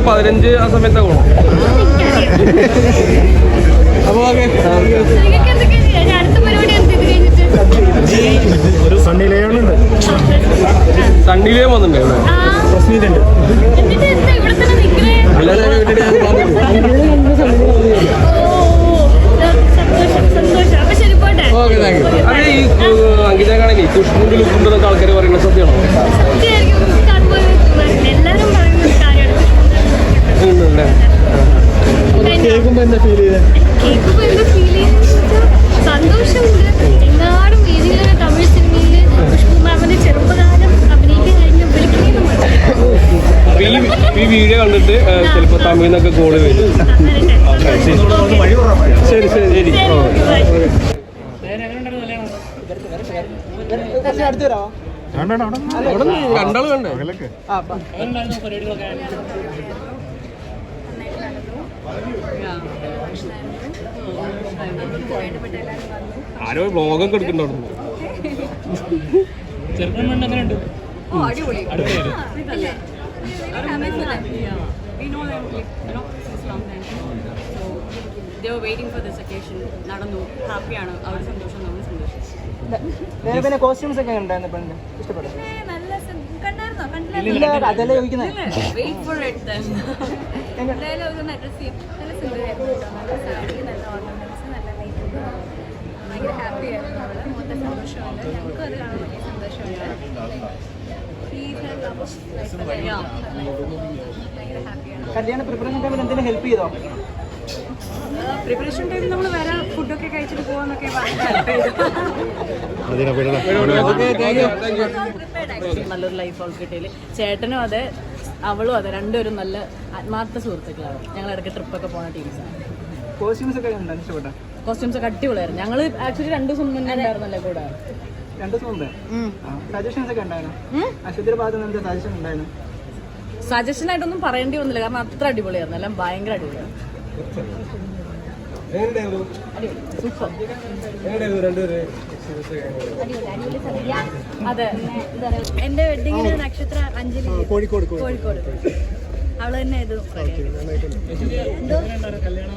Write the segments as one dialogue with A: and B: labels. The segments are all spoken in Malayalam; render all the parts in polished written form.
A: 15 ആ സമയത്തൊക്കെ പോകണം. അപ്പോൾ
B: ഒരു സണ്ണിലയുണ്ട്,
A: സണ്ണിലേ വന്നിട്ടുണ്ട് ഇവിടെ. Okay, thank you. അതെ, ഈ അങ്കിതയാണെങ്കിൽ കുഷ്ണുണ്ട് ലുക്കുണ്ടെന്നൊക്കെ ആൾക്കാർ പറയുന്നത് സത്യമാണോ? ഉണ്ടല്ലേ?
B: കേൾക്കുമ്പോ എന്താ ഫീൽ ചെയ്തത്?
C: സന്തോഷമുണ്ട്. എങ്ങാടും വേദിയിലെ തമിഴ് സിനിമയില് ഖുഷ്ബു മാമിന്റെ ചെറുപ്പകാലം അഭിനയിക്കാൻ കഴിഞ്ഞ
A: ഈ വീഡിയോ കണ്ടിട്ട് ചിലപ്പോൾ തമിഴിൽ നിന്നൊക്കെ കോള് വരും. ശരി ശരി ശരി. രണ്ടാള് വേണ്ടേ? ആരോ ബ്ലോഗൊക്കെ എടുക്കണ്ടായിരുന്നു.
D: They were waiting for this occasion. നടന്നു, ഹാപ്പിയാണ്, അവർ സന്തോഷം, നമ്മൾ സന്തോഷം.
E: പിന്നെ കോസ്റ്റ്യൂംസ് ഒക്കെ ഉണ്ടായിരുന്നു പെണ്ണിന് ഇഷ്ടപ്പെട്ടു? അതല്ലേ ചോദിക്കുന്നത്.
D: Wait for it then.
C: ഭയങ്കര ഹാപ്പിയായിരുന്നു അവള്. മൊത്തം സന്തോഷമുണ്ട്. ഞങ്ങൾക്കും അത് കാണാൻ വലിയ സന്തോഷമുണ്ട്. ഭയങ്കര ഹാപ്പിയാണ്.
E: കല്യാണ പ്രിപ്പറേഷൻ ടൈമിൽ എന്തെങ്കിലും ഹെൽപ്പ് ചെയ്തോ?
D: പ്രിപ്പറേഷൻ ടൈമിൽ നമ്മൾ വേറെ ഫുഡൊക്കെ കഴിച്ചിട്ട് പോകാന്നൊക്കെ നല്ലൊരു ലൈഫ് അവൾക്ക് കിട്ടിയില്ല. ചേട്ടനും അതെ, അവളും അതെ, രണ്ടുപേരും നല്ല ആത്മാർത്ഥ സുഹൃത്തുക്കളാണ്. ഞങ്ങൾ ഇടയ്ക്ക് ട്രിപ്പൊക്കെ പോകുന്ന ടീംസാണ്.
E: കോസ്റ്റ്യൂംസ് ഒക്കെ ഇഷ്ടപ്പെട്ട?
D: കോസ്റ്റ്യൂംസ് ഒക്കെ അടിപൊളിയായിരുന്നു. ഞങ്ങൾ ആക്ച്വലി 2 ദിവസം മുന്നേ ഉണ്ടായിരുന്നല്ലേ കൂടെ.
E: 2 ദിവസം മുമ്പേ സജഷൻസ് ഒക്കെ ഉണ്ടായിരുന്നു. അശ്വതിയുടെ ഭാഗത്ത് നിന്ന് സജഷൻ ഉണ്ടായിരുന്നു?
D: സജഷൻ ആയിട്ടൊന്നും പറയേണ്ടി വന്നില്ല, കാരണം അത്ര അടിപൊളിയായിരുന്നു. എല്ലാം ഭയങ്കര അടിപൊളിയായിരുന്നു. സൂപ്പർ. അതെ,
C: എന്റെ വെഡിങ്ങിന് നക്ഷത്ര അഞ്ജലി കോഴിക്കോട് അവള് തന്നെ ഇത് കല്യാണം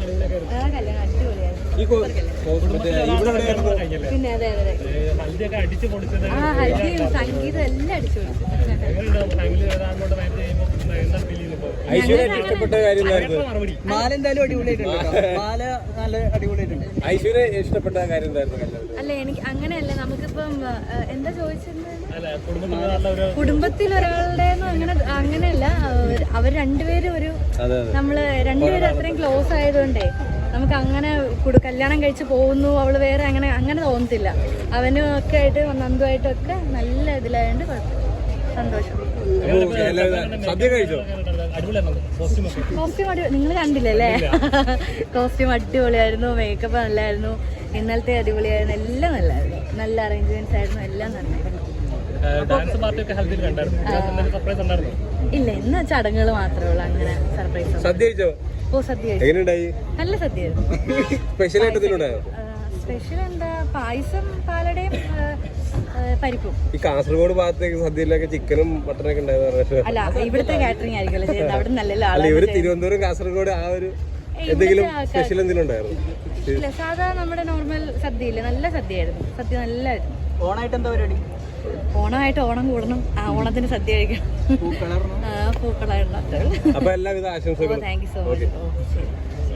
C: അടിപൊളിയായിരുന്നു. പിന്നെ അതെ അതെ, ആ ഹൽദിയും സംഗീതം എല്ലാം അടിച്ചു പൊളിച്ചു.
E: മാല എന്തായാലും അടിപൊളിയായിട്ടുണ്ട്. മാല നല്ല അടിപൊളിയായിട്ടുണ്ട്.
A: ഐശ്വര്യ ഇഷ്ടപ്പെട്ട കാര്യം എന്തായിരുന്നു?
C: അല്ല, എനിക്ക് അങ്ങനെയല്ല. നമുക്കിപ്പം എന്താ ചോദിച്ചിരുന്നത്, കുടുംബത്തിൽ ഒരാളുടെ അങ്ങനെയല്ല. അവർ രണ്ടുപേരും നമ്മള് രണ്ടുപേരും അത്രയും ക്ലോസ് ആയതുകൊണ്ടേ നമുക്ക് അങ്ങനെ കല്യാണം കഴിച്ച് പോകുന്നു അവള് വേറെ അങ്ങനെ തോന്നത്തില്ല. അവനും ഒക്കെ ആയിട്ട് നന്ദുമായിട്ടും ഒക്കെ നല്ല ഇതിലായതുകൊണ്ട് കുഴപ്പമില്ല, സന്തോഷം. കോസ്റ്റ്യൂം നിങ്ങൾ കണ്ടില്ലല്ലേ? കോസ്റ്റ്യൂം അടിപൊളിയായിരുന്നു, മേക്കപ്പ് നല്ലായിരുന്നു, ഇന്നലത്തെ അടിപൊളിയായിരുന്നു, എല്ലാം നല്ലായിരുന്നു. നല്ല അറേഞ്ച്മെന്റ്സ് ആയിരുന്നു, എല്ലാം നന്നായിരുന്നു. ഇല്ല, ഇന്ന് ചടങ്ങുകൾ മാത്രമേ ഉള്ളൂ, അങ്ങനെ സർപ്രൈസ്. ഓ, സദ്യ നല്ല സദ്യയായിരുന്നു. സ്പെഷ്യൽ എന്താ, പായസം, പാലടയും പരിപ്പും.
A: ഈ കാസർഗോഡ് ഭാഗത്തേക്ക് സദ്യയിലൊക്കെ ചിക്കനും മട്ടനൊക്കെ ഉണ്ടായിരുന്നു.
C: അല്ല, ഇവിടുത്തെ കാറ്ററിംഗ് ആയിരിക്കുമല്ലോ ചെയ്യുന്നത്, അവിടെ നല്ല
A: തിരുവനന്തപുരം കാസർഗോഡ് ആ ഒരു എന്തെങ്കിലും സ്പെഷ്യൽ എന്തെങ്കിലും ഉണ്ടായിരുന്നു?
C: ഇല്ല, സാധാരണ നമ്മുടെ നോർമൽ സദ്യയില്ലേ, നല്ല സദ്യയായിരുന്നു. സദ്യ നല്ലായിരുന്നു.
E: ഓണായിട്ട് എന്താ പരിപാടി?
C: ഓണമായിട്ട് ഓണം കൂടണം, ഓണത്തിന് സദ്യ കഴിക്കണം. പൂക്കളായിരുന്നു.
A: അപ്പൊ എല്ലാവിധ ആശംസകളും.
C: Thank you so much.